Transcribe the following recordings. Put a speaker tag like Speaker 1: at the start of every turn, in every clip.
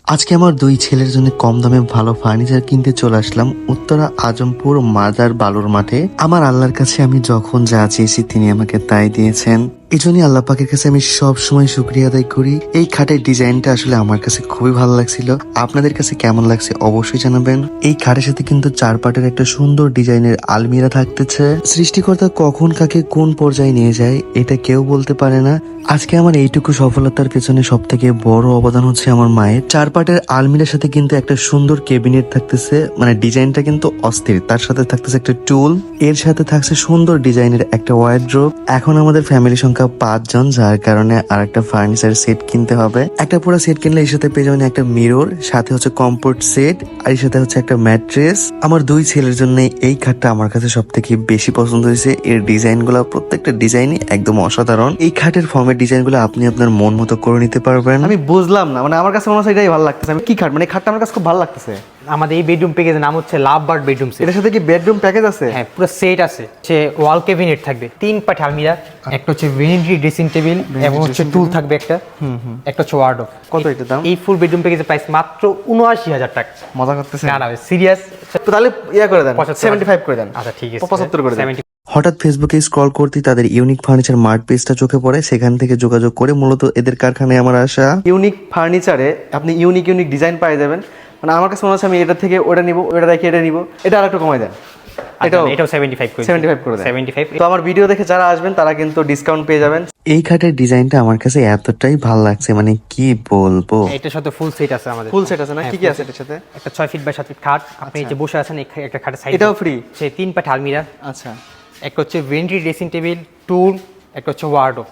Speaker 1: আজকে আমার দুই ছেলের জন্য কম দামে ভালো ফার্নিচার কিনতে চলে আসলাম উত্তরা আজমপুর মাজার বালুর মাঠে। আমার আল্লাহর কাছে আমি যখন যা চেয়েছি তিনি আমাকে তাই দিয়েছেন। এই জন্যই আল্লাহ পাকের কাছে আমি সব সময় শুকরিয়া আদায় করি। এই খাটের ডিজাইনটা আসলে আমার কাছে খুবই ভালো লাগছিল। আপনাদের কাছে কেমন লাগছে অবশ্যই জানাবেন। এই খাটের সাথে কিন্তু 4 পাটের একটা সুন্দর ডিজাইনের আলমিরা থাকতেছে। সৃষ্টিকর্তা কখন কাকে কোন পর্যায়ে নিয়ে যায় এটা কেউ বলতে পারে না। আজকে আমার এইটুকু সফলতার পেছনে সব থেকে বড় অবদান হচ্ছে আমার মায়ের। 4 পাটের আলমিরার সাথে কিন্তু একটা সুন্দর ক্যাবিনেট থাকতেছে, মানে ডিজাইনটা কিন্তু অস্থির। তার সাথে থাকতেছে একটা টুল, এর সাথে থাকছে সুন্দর ডিজাইনের একটা ওয়ার্ড্রোব। এখন আমাদের ফ্যামিলি সংখ্যা 5 জন, যার কারণে আর একটা ফার্নিচার সেট কিনতে হবে। একটা পুরো সেট কিনলে এর সাথে পেয়ে যাবেন একটা মিরর, সাথে হচ্ছে কমফোর্ট সেট, আর এর সাথে হচ্ছে একটা ম্যাট্রেস। আমার দুই ছেলের জন্য এই খাটটা আমার কাছে সব থেকে বেশি পছন্দ হয়েছে। এর ডিজাইন গুলো প্রত্যেকটা ডিজাইনই একদম অসাধারণ। এই খাটের ফর্মের ডিজাইন গুলো আপনি আপনার মন মতো করে নিতে পারবেন।
Speaker 2: আমি বুঝলাম না, মানে আমার কাছে মনে হচ্ছে এটাই ভালো লাগতেছে। আমি কি খাট, মানে এই খাটটা আমার কাছে খুব ভালো লাগতেছে।
Speaker 3: আমাদের এই বেডরুম প্যাকেজের নাম হচ্ছে লাভ বার্ড বেডরুম সেট।
Speaker 2: এটার সাথে কি বেডরুম প্যাকেজ আছে?
Speaker 3: হ্যাঁ, পুরো সেট আছে। সে ওয়াল ক্যাবিনেট থাকবে, 3 পাট আলমিরা, একটা হচ্ছে ভেনিটি ড্রেসিং টেবিল এবং হচ্ছে টুল থাকবে একটা, একটা হচ্ছে ওয়ার্ডরোব।
Speaker 2: কত এটার দাম?
Speaker 3: এই ফুল বেডরুম প্যাকেজের প্রাইস মাত্র ৭৯,০০০ টাকা।
Speaker 2: মজা করতেছে
Speaker 3: না না, সিরিয়াস।
Speaker 2: তো তাহলে ইয়া করে দেন,
Speaker 3: 75
Speaker 2: 75 করে দেন।
Speaker 3: আচ্ছা ঠিক আছে,
Speaker 2: 75 করে দেন।
Speaker 3: 70
Speaker 1: হঠাৎ ফেসবুকে স্ক্রল করতে তাদের ইউনিক ফার্নিচার মার্ট পেজটা চোখে পড়ে। সেখান থেকে যোগাযোগ করে মূলত এদের কারখানায় আমার আসা।
Speaker 2: ইউনিক ফার্নিচারে আপনি ইউনিক ডিজাইন পাই যাবেন। মানে আমার কাছে মনে হচ্ছে আমি এটা থেকে ওটা নিব, ওটা দেখে এটা নিব। এটা আরেকটু কমাই দেন।
Speaker 3: এটাও 75 করে
Speaker 2: 75 করে দেন।
Speaker 3: 75।
Speaker 2: তো আমার ভিডিও দেখে যারা আসবেন তারা কিন্তু ডিসকাউন্ট পেয়ে যাবেন।
Speaker 1: এই খাটের ডিজাইনটা আমার কাছে এতটাই ভালো লাগছে, মানে কি বলবো।
Speaker 3: এটার সাথে ফুল সেট আছে আমাদের।
Speaker 2: ফুল সেট আছে না?
Speaker 3: হ্যাঁ,
Speaker 2: কি কি
Speaker 3: full
Speaker 2: আছে
Speaker 3: set।
Speaker 2: এটার সাথে?
Speaker 3: একটা 6 ফিট বাই 7 ফিট খাট, আপনি যে বসে আছেন একটা খাটের সাইড
Speaker 2: এটাও free?
Speaker 3: সে 3 পাট আলমিরা,
Speaker 2: আচ্ছা,
Speaker 3: একটা হচ্ছে ভেনিটি ড্রেসিং টেবিল, টুল, একটা হচ্ছে ওয়ার্ডরোব।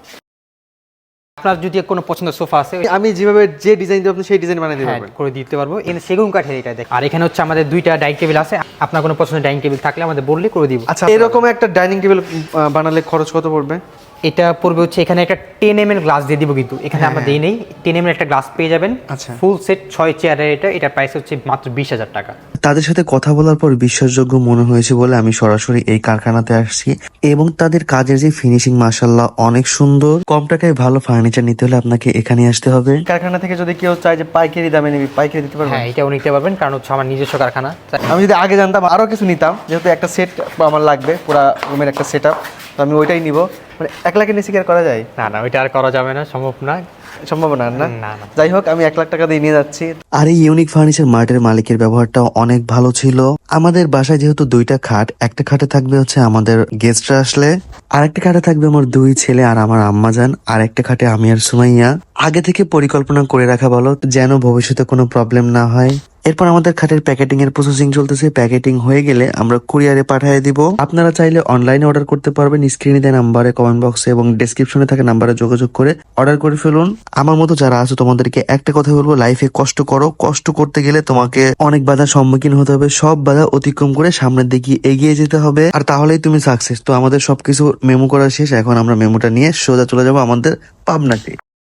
Speaker 3: আপনার যদি কোনো পছন্দের সোফা আছে
Speaker 2: আমি যেভাবে যে ডিজাইন দিব আপনি সেই ডিজাইন বানিয়ে দিতে
Speaker 3: হ্যাঁ,
Speaker 2: পারবেন।
Speaker 3: করে দিতে পারবো। এখানে সেগুন কাঠের এটা দেখ। আর এখানে হচ্ছে আমাদের 2টা ডাইনিং টেবিল আছে। আপনার কোনো পছন্দের ডাইনিং টেবিল থাকলে আমাদের বললে করে দিব।
Speaker 2: আচ্ছা, এরকম একটা ডাইনিং টেবিল বানালে খরচ কত পড়বে?
Speaker 3: এটা পড়বে হচ্ছে, এখানে একটা 10 mm গ্লাস দিয়ে দিব, কিন্তু এখানে আমরা দেই নেই। 10 mm একটা গ্লাস পেয়ে যাবেন।
Speaker 2: আচ্ছা।
Speaker 3: ফুল সেট 6 চেয়ারের এটা প্রাইস হচ্ছে মাত্র 20,000 টাকা।
Speaker 1: তাদের সাথে কথা বলার পর বিশ্বাসযোগ্য মনে হয়েছে বলে আমি সরাসরি এই কারখানাতে আসছি, এবং তাদের কাজের যে ফিনিশিং মাশাআল্লাহ অনেক সুন্দর। কম টাকায় ভালো ফার্নিচার নিতে হলে আপনাকে এখানে আসতে হবে।
Speaker 2: কারখানা থেকে যদি কেউ চায় যে পাইকারি দামে নিবি, পাইকারি দিতে পারবেন?
Speaker 3: হ্যাঁ, এটাও নিতে পারবেন, কারণ হচ্ছে আমার নিজস্ব কারখানা।
Speaker 2: আমি যদি আগে জানতাম আরো কিছু নিতাম, যেহেতু একটা সেট আমার লাগবে, পুরো রুমের একটা সেট আপ, তো আমি ওইটাই নিব। মানে 1 লাখের নিচে কি আর করা যায়?
Speaker 3: না না, ওইটা আর করা যাবে না, সম্ভব না।
Speaker 2: সম্ভব না, না?
Speaker 3: না, না।
Speaker 2: যাই হোক, আমি 1 লাখ টাকা দিয়ে নিয়ে যাচ্ছি।
Speaker 1: আর এই ইউনিক ফার্নিচার মার্টের মালিকের ব্যবহারটাও অনেক ভালো ছিল। আমাদের বাসায় যেহেতু 2টা খাট, একটা খাটে থাকবে হচ্ছে আমাদের গেস্টরা আসলে, আর একটা খাটে থাকবে আমার 2 ছেলে আর আমার আম্মাজান, আর একটা খাটে আমি আর সুমাইয়া। আগে থেকে পরিকল্পনা করে রাখা ভালো, যেন ভবিষ্যতে কোনো প্রবলেম না হয়। এরপর আমাদের খাটের প্যাকেটিং এর প্রসেসিং চলতেছে। প্যাকেটিং হয়ে গেলে আমরা কুরিয়ারে পাঠিয়ে দিব। আপনারা চাইলে অনলাইনে অর্ডার করতে পারবেন। স্ক্রিনে দেওয়া নাম্বারে, কমেন্ট বক্সে এবং ডেসক্রিপশনে থাকা নাম্বারে যোগাযোগ করে অর্ডার করে ফেলুন। আমার মতো যারা আছে তোমাদেরকে একটা কথা বলবো, লাইফে কষ্ট করো। কষ্ট করতে গেলে তোমাকে অনেক বাধার সম্মুখীন হতে হবে। সব বাধা অতিক্রম করে সামনের দিকে এগিয়ে যেতে হবে, আর তাহলেই তুমি সাকসেস। তো আমাদের সবকিছু মেমো করা শেষ। এখন আমরা মেমোটা নিয়ে সোজা চলে যাবো আমাদের পাবনাতে।